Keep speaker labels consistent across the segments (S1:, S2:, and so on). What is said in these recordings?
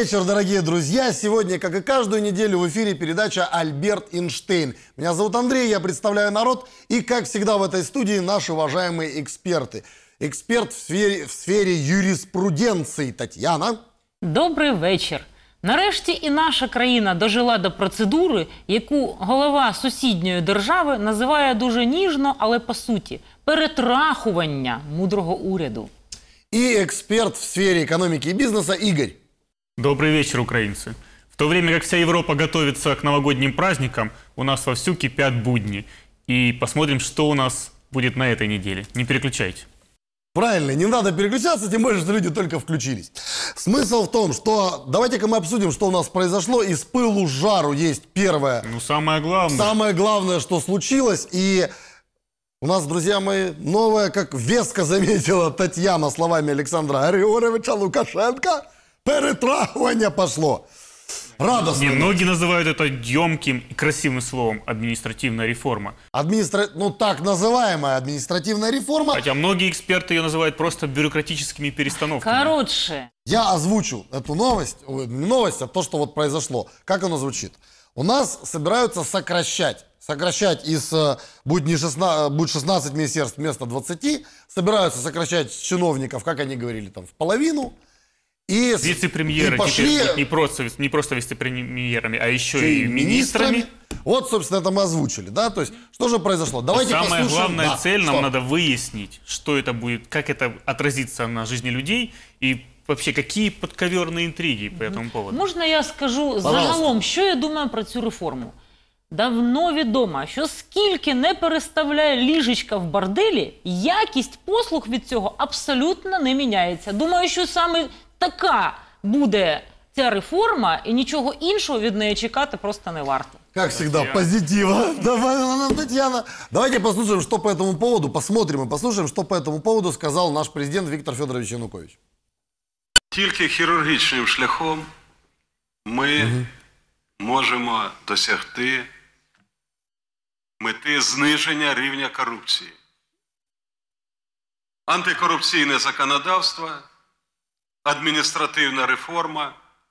S1: вечер, дорогие друзья. Сегодня, как и каждую неделю, в эфире передача «Альберт Эйнштейн». Меня зовут Андрей, я представляю народ. И, как всегда, в этой студии наши уважаемые эксперты. Эксперт в сфере юриспруденции Татьяна.
S2: Добрий вечір. Нарешті і наша країна дожила до процедури, яку голова сусідньої держави називає дуже ніжно, але по суті – перетрахування мудрого уряду.
S1: И эксперт в сфере экономики и бизнеса Игорь.
S3: Добрый вечер, украинцы. В то время как вся Европа готовится к новогодним праздникам, у нас вовсю кипят будни. И посмотрим, что у нас будет на этой неделе. Не переключайте.
S1: Правильно, не надо переключаться, тем более, что люди только включились. Смысл в том, что давайте-ка мы обсудим, что у нас произошло. Из пылу с жару есть первое.
S3: Ну, самое главное.
S1: Самое главное, что случилось. И у нас, друзья мои, новое, как веско заметила Татьяна словами Александра Григорьевича Лукашенко, перетрахивание пошло. Радостно.
S3: Многие называют это емким и красивым словом «административная реформа».
S1: Ну, так называемая административная реформа.
S3: Хотя многие эксперты ее называют просто бюрократическими перестановками.
S2: Короче.
S1: Я озвучу эту новость, не новость, а то, что вот произошло. Как оно звучит? У нас собираются сокращать будет 16 министерств вместо 20, собираются сокращать чиновников, как они говорили, там, в половину. И
S3: вице-премьеры
S1: пошли
S3: не просто вице-премьерами, а еще и министрами.
S1: Вот, собственно, это мы озвучили, да? То есть, что же произошло? Давайте
S3: Самая
S1: послушаем.
S3: главная цель, нам надо выяснить, что это будет, как это отразится на жизни людей и вообще какие подковерные интриги по этому поводу.
S2: Можна я скажу загалом, що я думаю про цю реформу? Давно відомо, що скільки не переставляє ліжечка в борделі, якість послуг від цього абсолютно не міняється. Думаю, що саме така буде ця реформа, і нічого іншого від неї чекати просто не варто.
S1: Как всегда, позитива. Давай, Татьяна. Давайте послушаем, что по этому поводу, посмотрим и послушаем, что по этому поводу сказал наш президент Віктор Федорович Янукович.
S4: Тільки хірургічним шляхом ми можемо досягти мети зниження рівня корупції. Антикорупційне законодавство, адміністративна реформа,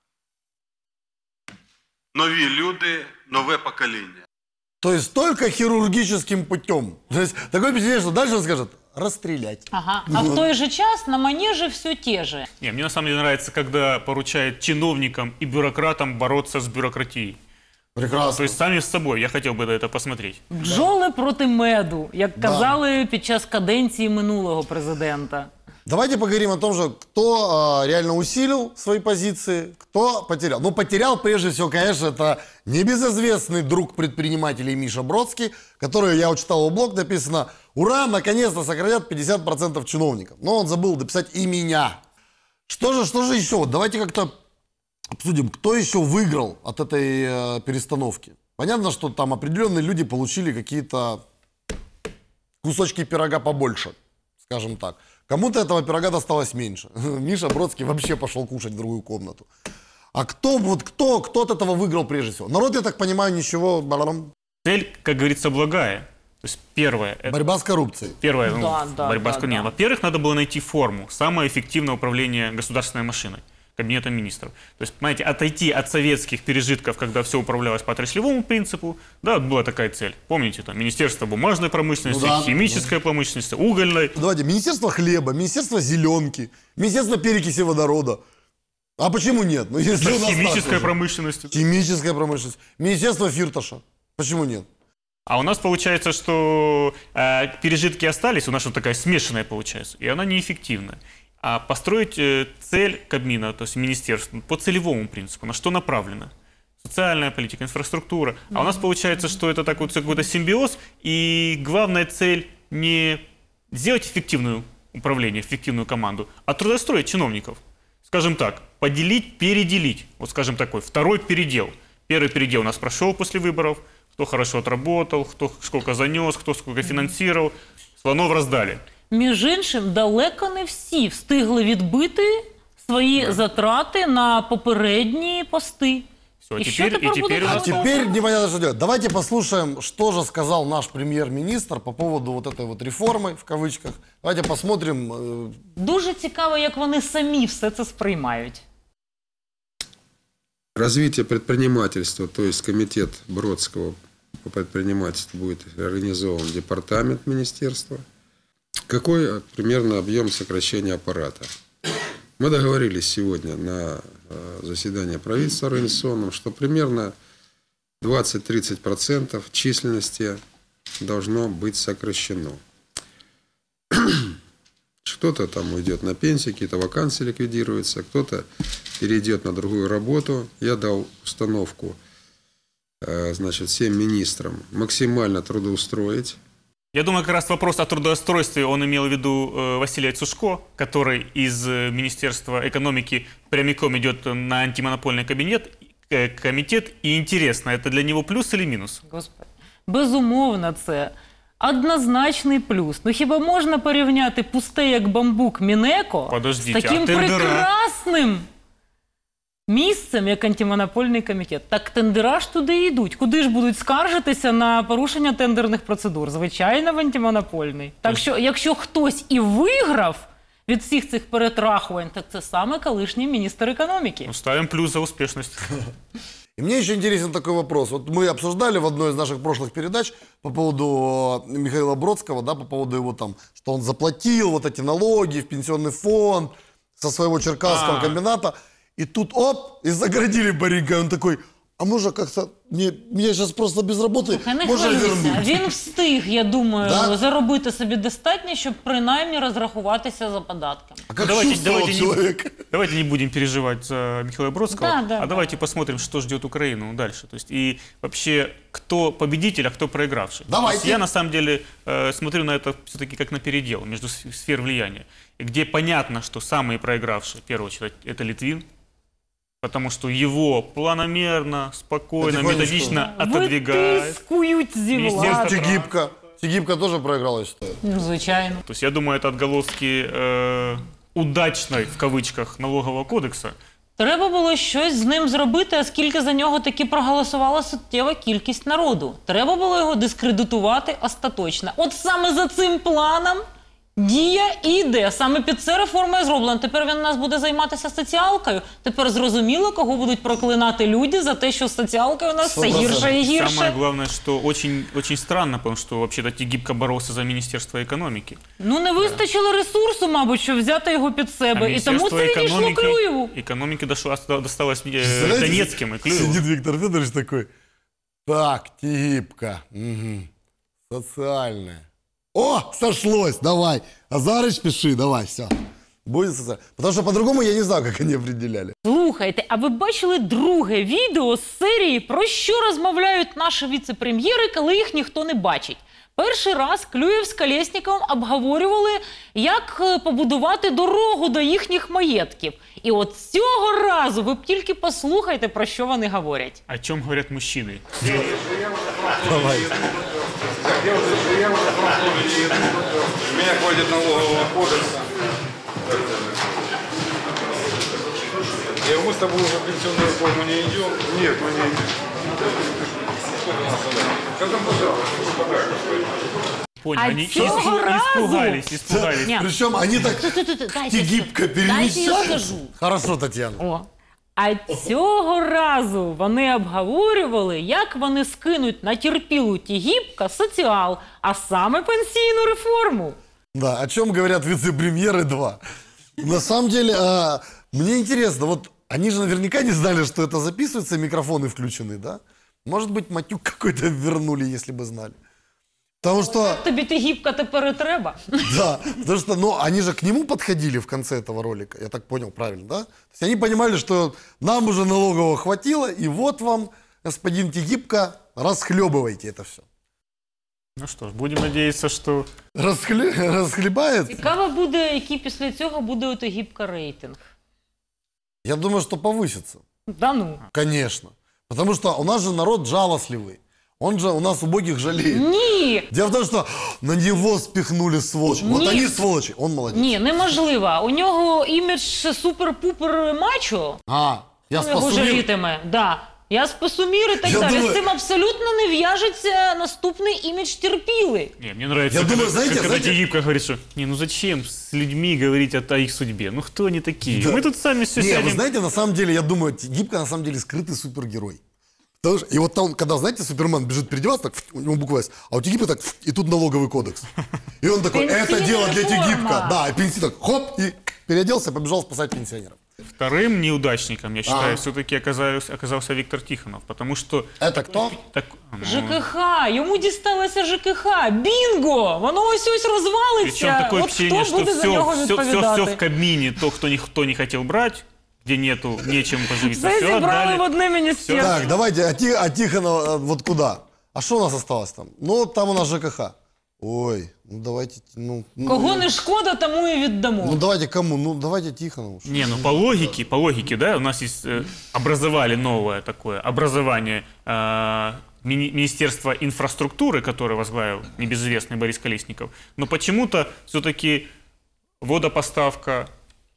S4: нові люди, нове покоління.
S1: То есть только хирургическим путем. То есть такое впечатление, что дальше он скажет расстрелять.
S2: Ага. А в той же час на манеже все те же.
S3: Не, мне на самом деле нравится, когда поручают чиновникам и бюрократам бороться с бюрократией.
S1: Прекрасно.
S3: То есть сами с собой. Я хотел бы это посмотреть.
S2: Бджоли проти меду, як казали під час каденції минулого президента.
S1: Давайте поговорим о том же, кто реально усилил свои позиции, кто потерял. Ну, потерял прежде всего, конечно, это небезызвестный друг предпринимателей Миша Бродский, который, я читал его блог, написано: «Ура, наконец-то сократят 50% чиновников». Но он забыл дописать и меня. Что же еще? Давайте как-то обсудим, кто еще выиграл от этой перестановки. Понятно, что там определенные люди получили какие-то кусочки пирога побольше, скажем так. Кому-то этого пирога досталось меньше. Миша Бродский вообще пошел кушать в другую комнату. А кто от этого выиграл прежде всего? Народ, я так понимаю, ничего...
S3: Цель, как говорится, благая. То есть первое...
S1: Борьба с коррупцией.
S3: Первое,
S2: борьба
S3: с коррупцией. Во-первых, надо было найти форму, самое эффективное управление государственной машиной, кабинетом министров. То есть, понимаете, отойти от советских пережитков, когда все управлялось по отраслевому принципу, да, была такая цель. Помните, там, Министерство бумажной промышленности, химической промышленности, угольной.
S1: Давайте, Министерство хлеба, Министерство зеленки, Министерство перекиси водорода. А почему нет? Ну, если у нас
S3: химическая промышленность.
S1: Химическая промышленность. Министерство Фирташа. Почему нет?
S3: А у нас получается, что пережитки остались, у нас вот такая смешанная получается, и она неэффективная. А построить цель Кабмина, то есть министерства, по целевому принципу, на что направлено? Социальная политика, инфраструктура. А у нас получается, что это такой какой-то симбиоз, и главная цель не сделать эффективное управление, эффективную команду, а трудоустроить чиновников. Скажем так, поделить, переделить. Вот скажем такой, второй передел. Первый передел у нас прошел после выборов, кто хорошо отработал, кто сколько занес, кто сколько финансировал, слонов раздали.
S2: Між іншим, далеко не всі встигли відбити свої затрати на попередні пости.
S3: Все,
S2: и теперь
S1: непонятно, что делать. Давайте послушаем, что же сказал наш премьер-министр по поводу вот этой вот реформы, в кавычках. Давайте посмотрим.
S2: Дуже цікаво, як вони самі все це сприймають.
S5: Развитие предпринимательства, то есть комитет Бродского по предпринимательству будет организован департамент министерства. Какой примерно объем сокращения аппарата? Мы договорились сегодня на заседании правительства организационном, что примерно 20-30% численности должно быть сокращено. Кто-то там уйдет на пенсию, какие-то вакансии ликвидируются, кто-то перейдет на другую работу. Я дал установку, значит, всем министрам максимально трудоустроить.
S3: Я думаю, как раз вопрос о трудоустройстве он имел в виду Василия Цушко, который из Министерства экономики прямиком идет на антимонопольный комитет. И интересно, это для него плюс или минус?
S2: Господи. Безумовно, це однозначний плюс. Ну хіба можна порівняти пусте як бамбук Мінеко з таким прекрасним місцем, як антимонопольний комітет? Так тендера ж туди і йдуть. Куди ж будуть скаржитися на порушення тендерних процедур? Звичайно, в антимонопольний. Так що, якщо хтось і виграв від всіх цих перетрахувань, так це саме колишній міністр економіки.
S3: Ну, ставим плюс за успешность.
S1: И мне еще интересен такой вопрос. Вот мы обсуждали в одной из наших прошлых передач по поводу Михаила Бродского, да, по поводу его там, что он заплатил вот эти налоги в пенсионный фонд со своего черкасского комбината. И тут, оп, и загородили Боренька. И он такой, а может как-то, меня сейчас просто без работы, можно вернуть?
S2: Він встиг, я думаю,
S1: Да?
S2: заробити собі достатньо, щоб принаймні розрахуватися за податками.
S1: А как чувствовал человек?
S3: Давайте не будем переживать за Михаила Бродского,
S2: Да.
S3: давайте посмотрим, что ждет Украину дальше. То есть, и вообще, кто победитель, а кто проигравший.
S1: Давайте.
S3: То есть я на самом деле смотрю на это все-таки как на передел между сфер влияния, где понятно, что самые проигравшие, в первую очередь, это Литвин, потому что его планомерно, спокойно, методично отодвигает.
S2: Витискують зі
S3: Міністерство
S2: влади.
S1: Тегибко. Тегибко тоже проиграл, я считаю.
S2: Ну, звичайно.
S3: То есть я думаю, это отголоски удачной, в кавычках, налогового кодекса.
S2: Треба було щось з ним зробити, оскільки за нього таки проголосувала суттєва кількість народу. Треба було його дискредитувати остаточно. От саме за цим планом дія і йде. Саме під це реформа і зроблена. Тепер він у нас буде займатися соціалкою. Тепер зрозуміло, кого будуть проклинати люди за те, що з соціалкою у нас все гірше і гірше.
S3: Самое главное, что очень, очень странно, потому что вообще-то Тегибко боролся за Министерство экономики.
S2: Ну, не вистачило ресурсу, мабуть, щоб взяти його під себе. І тому це відійшло Клюєву.
S3: Экономики досталось Донецким и Клюеву.
S1: Сидит Виктор Федорович такой, так, Тегибко, социальная. О, сошлось, давай. Азарыч, пиши, давай, все. Будет социально. Потому что по-другому я не знаю, как они определяли.
S2: Слухайте, а ви бачили друге відео з серії «Про що розмовляють наші віце-прем'єри, коли їх ніхто не бачить?» Перший раз Клюєв з Колєсніковим обговорювали, як побудувати дорогу до їхніх маєтків. І от цього разу ви б тільки послухайте, про що вони говорять.
S3: О чем говорят мужчины?
S1: Давай.
S6: Меня хватит налогового кодекса. Мы с тобой уже в пенсионную реформу не идем? Нет, мы не идем. Сколько у нас осталось? Когда пожалуйста,
S3: Понял,
S2: А
S3: они
S2: цього разу?
S3: испугались.
S2: Ні.
S1: Причем они так Тегибко
S2: Дайте я
S1: перемещают.
S2: скажу.
S1: Хорошо, Татьяна.
S2: О. А цього разу вони обговорювали, як вони скинуть на терпілу Тегибка соціал, а саме пенсійну реформу.
S1: Да, о чем говорят вице-премьеры 2. На самом деле, мне интересно, вот они же наверняка не знали, что это записывается, микрофоны включены, да? Может быть, матюк какой-то вернули, если бы знали. Потому что,
S2: Тобі Тегибка тепер і треба.
S1: да, потому что, ну, они же к нему подходили в конце этого ролика, я так понял правильно, да? То есть они понимали, что нам уже налогового хватило, и вот вам, господин Тегибко, расхлебывайте это все.
S3: Ну что ж, будем надеяться, что...
S1: Расхлебает?
S2: Цікаво буде, який після цього буде у Тегибка рейтинг.
S1: Я думаю, что повысится.
S2: Да ну.
S1: Конечно. Потому что у нас же народ жалостливый. Он же у нас убогих жалеет.
S2: Ні!
S1: Дело в том, что на него спихнули сволочи. Вот
S2: Нет.
S1: они сволочи, он молодец.
S2: Ні, неможливо. У нього імідж супер-пупер мачо.
S1: А, я
S2: Його
S1: спасу мир.
S2: жалітиме. Да. Я списомір і так
S1: Я
S2: далі.
S1: думаю-
S2: З цим абсолютно не в'яжеться наступний імідж терпіли.
S3: Не, мне нравится,
S1: Я
S3: когда,
S1: думаю, знаете,
S3: когда
S1: знаете-
S3: Тегибко говорит, что «не, ну зачем с людьми говорить о их судьбе? Ну кто они такие? Мы тут сами все
S1: Не,
S3: сядем».
S1: вы знаете, на самом деле, я думаю, Гибко на самом деле скрытый супергерой. Потому что, и вот там, когда, знаете, Супермен бежит переодеваться, так, у него буква «С», а у Тегибко так, и тут налоговый кодекс. И он такой, это
S2: Пенсийная
S1: дело для
S2: реформа.
S1: Тегибко. Да, и пенсий так, хоп, и переоделся, побежал спасать пенсионеров.
S3: Вторым неудачником, я считаю,
S1: Ага.
S3: все-таки оказался Виктор Тихонов, потому что...
S1: Это кто?
S3: Так, ну,
S2: ЖКХ, йому дісталося ЖКХ. Бінго! Воно ось
S3: причем
S2: розвалиться.
S3: такое
S2: От
S3: впечатление,
S2: хто
S3: что
S2: буде за нього
S3: все
S2: відповідати?
S3: в Кабмине, то, кто никто не хотел брать, где нету, нечем поживиться,
S2: Все
S3: все
S2: зібрали в
S3: отдали.
S2: одне міністерство.
S1: Так, давайте, а Тихонов вот куда? А что у нас осталось там? Ну, там у нас ЖКХ. Ой, ну давайте,
S2: Кого не шкода, тому і віддамо.
S1: ну давайте кому? Ну давайте Тихонову.
S3: Не, ну по логике, да, у нас есть, образовали новое такое образование Министерства инфраструктуры, которое возглавил небезызвестный Борис Колесников, но почему-то все-таки водопоставка,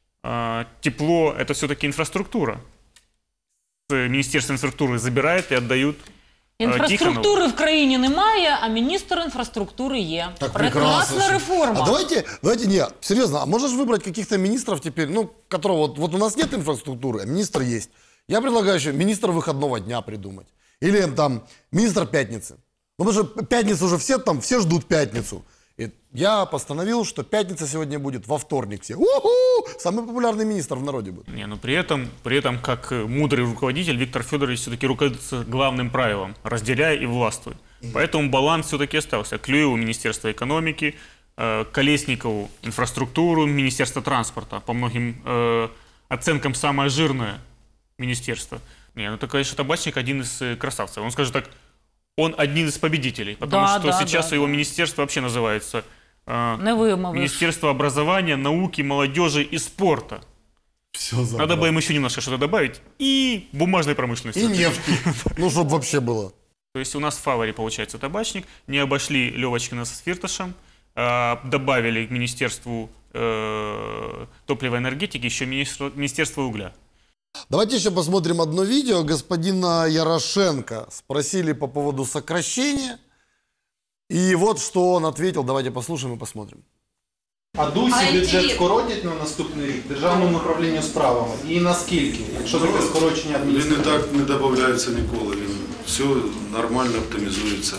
S3: тепло, это все-таки инфраструктура. Министерство инфраструктуры забирает и отдают Тихонову.
S2: Інфраструктури в країні немає, а міністр інфраструктури є.
S1: Так
S2: Прекрасна реформа.
S1: А давайте, не, серьезно, а можешь выбрать каких-то министров теперь, ну, которого, вот у нас нет инфраструктуры, а министр есть. Я предлагаю еще министр выходного дня придумать. Или там министр пятницы. Ну, потому что пятницу уже все ждут пятницу. И я постановил, что пятница сегодня будет во вторник. Все. У-ху! Самый популярный министр в народе будет.
S3: Не, но при этом, как мудрый руководитель, Виктор Федорович все-таки руководится главным правилом – разделяй и властвуй. Поэтому баланс все-таки остался. Клюеву – Министерство экономики, Колесникову – инфраструктуру, Министерство транспорта. По многим оценкам самое жирное министерство. Не, ну это, конечно, Табачник один из красавцев. Он скажет так, он один из победителей, потому что сейчас его министерство вообще называется
S2: Не вимовиш.
S3: Министерство образования, науки, молодежи и спорта.
S1: Все
S3: Надо бы им еще немножко что-то добавить. И бумажной промышленности.
S1: И нефти. Ну, чтобы вообще было.
S3: То есть у нас в фаворе получается Табачник. Не обошли Левочкина с Фирташем. Добавили к Министерству топлива и энергетики еще Министерство угля.
S1: Давайте еще посмотрим одно видео. Господина Ярошенко спросили по поводу сокращения. И вот что он ответил. Давайте послушаем и посмотрим.
S7: А ДУСі бюджет скоротять на наступний рік Державному управлінню справами? І наскільки, якщо таке скорочення
S4: Він і
S7: адміністрації?
S4: так не додається ніколи, він все нормально оптимізується.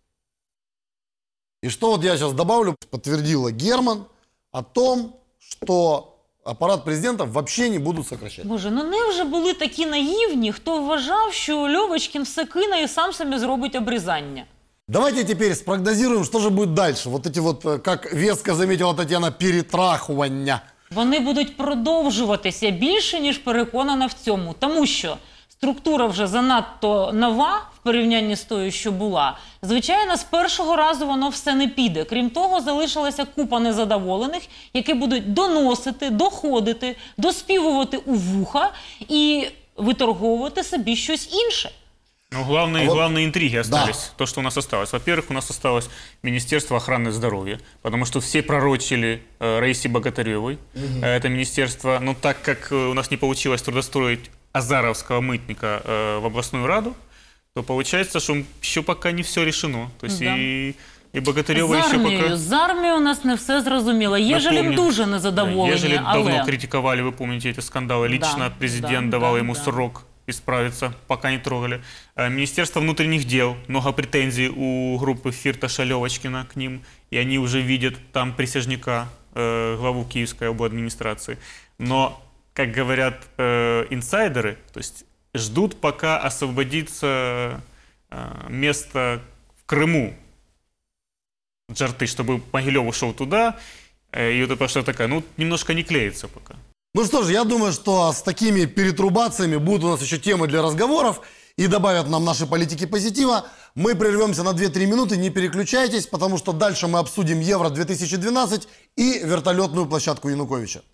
S1: И что вот я сейчас добавлю, подтвердила Герман о том, что аппарат президента вообще не будут сокращать.
S2: Боже, ну невже були такі наївні, хто вважав, що Льовочкін все кине і сам собі зробить обрізання?
S1: Давайте теперь спрогнозируем, что же будет дальше. Вот эти вот, как веско заметила Татьяна, перетрахування.
S2: Вони будуть продовжуватися більше, ніж переконана в цьому. Тому що структура вже занадто нова в порівнянні з тою, що була. Звичайно, з першого разу воно все не піде. Крім того, залишилася купа незадоволених, які будуть доносити, доходити, доспівувати у вуха і виторговувати собі щось інше.
S3: Ну, главные интриги остались.
S1: Да.
S3: То, что у нас осталось. Во-первых, у нас осталось Министерство охраны здоровья, потому что все пророчили Раисе Богатыревой это министерство. Но так как у нас не получилось трудоустроить азаровского мытника в областную раду, то получается, что еще пока не все решено. То есть
S2: Да.
S3: и Богатырева еще пока...
S2: З армією у нас не все зрозуміло. Єжелін
S3: Напомню,
S2: дуже незадоволені,
S3: Ежели
S2: але...
S3: давно критиковали, вы помните эти скандалы, лично президент давал ему
S2: да.
S3: срок исправиться, пока не трогали. Министерство внутренних дел, много претензий у группы Фирташа Левочкина к ним, и они уже видят там присяжника, главу Киевской обладминистрации. Но, как говорят инсайдеры, то есть ждут, пока освободится место в Крыму Джарты, чтобы Могилев ушел туда, и вот это пошла такая, ну, немножко не клеится пока.
S1: Ну что ж, я думаю, что с такими перетрубациями будут у нас еще темы для разговоров и добавят нам наши политики позитива. Мы прервемся на 2-3 минуты, не переключайтесь, потому что дальше мы обсудим Евро-2012 и вертолетную площадку Януковича.